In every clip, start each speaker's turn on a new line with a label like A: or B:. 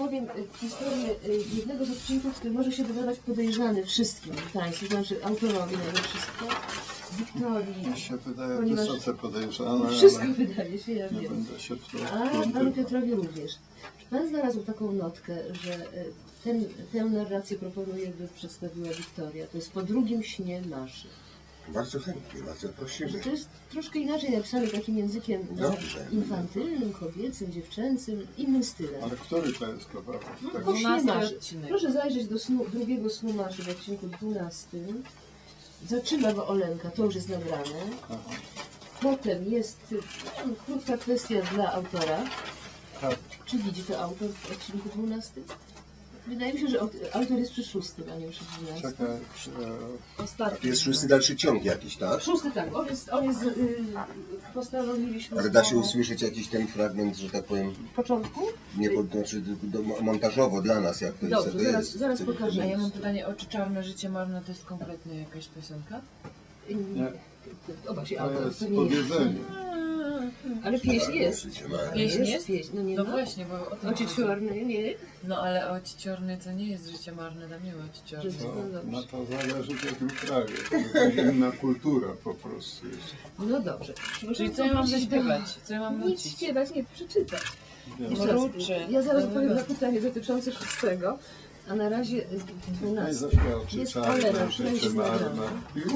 A: opowiem historię jednego z odcinków, który może się wydawać podejrzany wszystkim Państwu, znaczy autorowi na wszystko, Wiktorii.
B: Mi się wydaje wysoce podejrzane,
A: wszystko wydaje się, ja
B: nie
A: wiem.
B: będę się w to
A: A Panu Piotrowi również. Czy Pan znalazł taką notkę, że tę narrację proponuje, by przedstawiła Wiktoria? To jest po drugim śnie Maszy.
C: Bardzo chętnie, bardzo prosimy.
A: To jest troszkę inaczej napisane takim językiem infantylnym, kobiecym, dziewczęcym, innym stylem.
B: Ale który to jest kawałek? Tak,
A: Po śnie Maszy. Proszę zajrzeć do drugiego snu Maszy w odcinku 12. Zaczyna go Olenka, to już jest nagrane.
B: aha.
A: Potem jest krótka kwestia dla autora.
B: Tak.
A: Czy widzi to autor w odcinku 12? Wydaje mi się, że autor jest przy 6, a nie przy 12.
B: Czekaj,
C: To jest szósty dalszy ciąg jakiś, tak?
A: 6, tak. On jest postanowiliśmy...
C: Ale da się usłyszeć jakiś ten fragment, że tak powiem,
A: W początku?
C: nie znaczy montażowo dla nas, jak to jest.
A: Dobrze, zaraz
D: A
A: pokażę.
D: ja mam pytanie, Oczy czarne, życie marne to jest kompletnie jakaś piosenka?
B: nie,
A: Obak się
B: to
A: autor,
B: jest
A: to nie jest.
B: powiedzenie.
A: Ale pieśń jest.
D: Pieśń jest?
A: Pieśń, no nie
D: No
A: ma.
D: właśnie, bo o tym
A: Oczy
D: chodzi.
A: czarne, nie?
D: No ale Oczy czarne to nie jest życie marne, tam nie ma Oczy czarne.
B: No to zależy w jakim kraju. To jest inna kultura po prostu jest.
A: No dobrze.
D: Czyli co ja mam zaśpiewać? Co ja mam
A: Nic
D: nucić?
A: śpiewać, nie, przeczytać. Jeszcze raz,
D: Mruczy.
A: ja zaraz odpowiem na pytanie dotyczące 6, a na razie 12. Jest Olena, która już jest nagrana.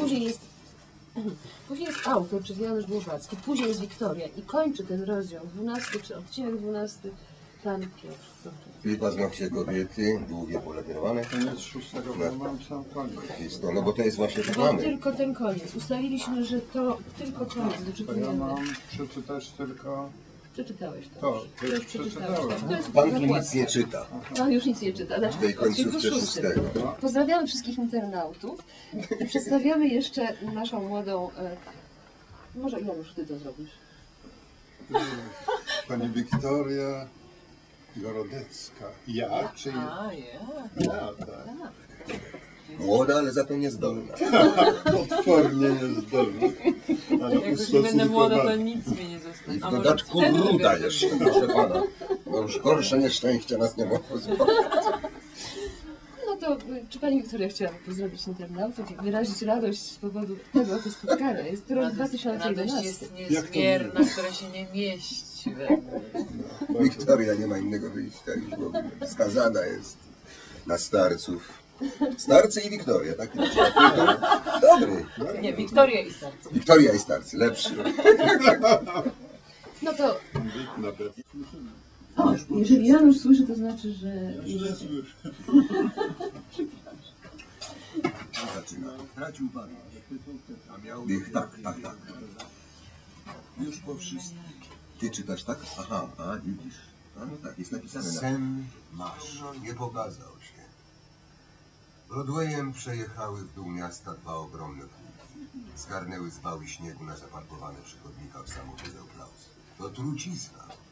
A: Później jest autor, czyli Janusz Głowacki, później jest Wiktoria i kończy ten rozdział 12, czy odcinek 12, pan Piotr.
C: I paznokcie kobiety, długie, polakierowane.
B: Koniec 6, bo mam sam koniec.
C: Jest to, no bo to jest właśnie tak
A: Bo
C: mamy.
A: tylko ten koniec. Ustaliliśmy, że to tylko koniec
B: To ja
A: doczytujemy.
B: mam przeczytać tylko
A: Przeczytałeś to.
B: to.
A: To już przeczytałeś.
B: Przeczytałem.
A: Tak, to jest
C: Pan tu nic
A: zakładka.
C: nie czyta.
A: Pan już nic nie czyta. Znaczy,
C: W tej końcówce
A: odcinku 6.
C: 6.
A: Pozdrawiamy wszystkich internautów i przedstawiamy jeszcze naszą młodą... Może Janusz, ty to zrobisz.
B: Pani Wiktoria Gorodecka. Ja? Czy ja?
D: A, ja.
B: Ja, tak.
C: Młoda, ale za to niezdolna.
B: Potwornie niezdolna. Ale
D: Jak już nie będę młoda, to
B: ustosunkowana.
D: nic mi nie zostanie.
C: I w
D: A może
C: dodatku
D: wtedy
C: ruda
D: będę
C: jeszcze,
D: młoda?
C: proszę pana. No już gorsze nieszczęścia nas nie mogło spotkać.
A: No to czy pani Wiktoria chciałaby pozdrowić internautów i wyrazić radość z powodu tego oto spotkania? Jest to rok
D: Radość
A: 2011.
D: jest niezmierna, która się nie mieści we mnie.
C: Wiktoria nie ma innego wyjścia już w ogóle. Skazana jest na starców. Starcy i Wiktoria, tak? Dobry.
D: Nie, Wiktoria i serce.
C: Wiktoria i starcy, lepszy.
A: No to
B: Nawet.
A: jeżeli Janusz słyszy, to znaczy, że...
C: Zaczyna. Tracił pan. A miał... Tak. Już po wszystkim. Ty czytasz tak? Aha, a widzisz. A no tak, jest napisane na... Sen masz. Nie pokazał się. Broadwayem przejechały w dół miasta dwa ogromne pługi. Zgarnęły z wały śniegu na zaparkowane przy chodnikach samochody Klaus. To trucizna.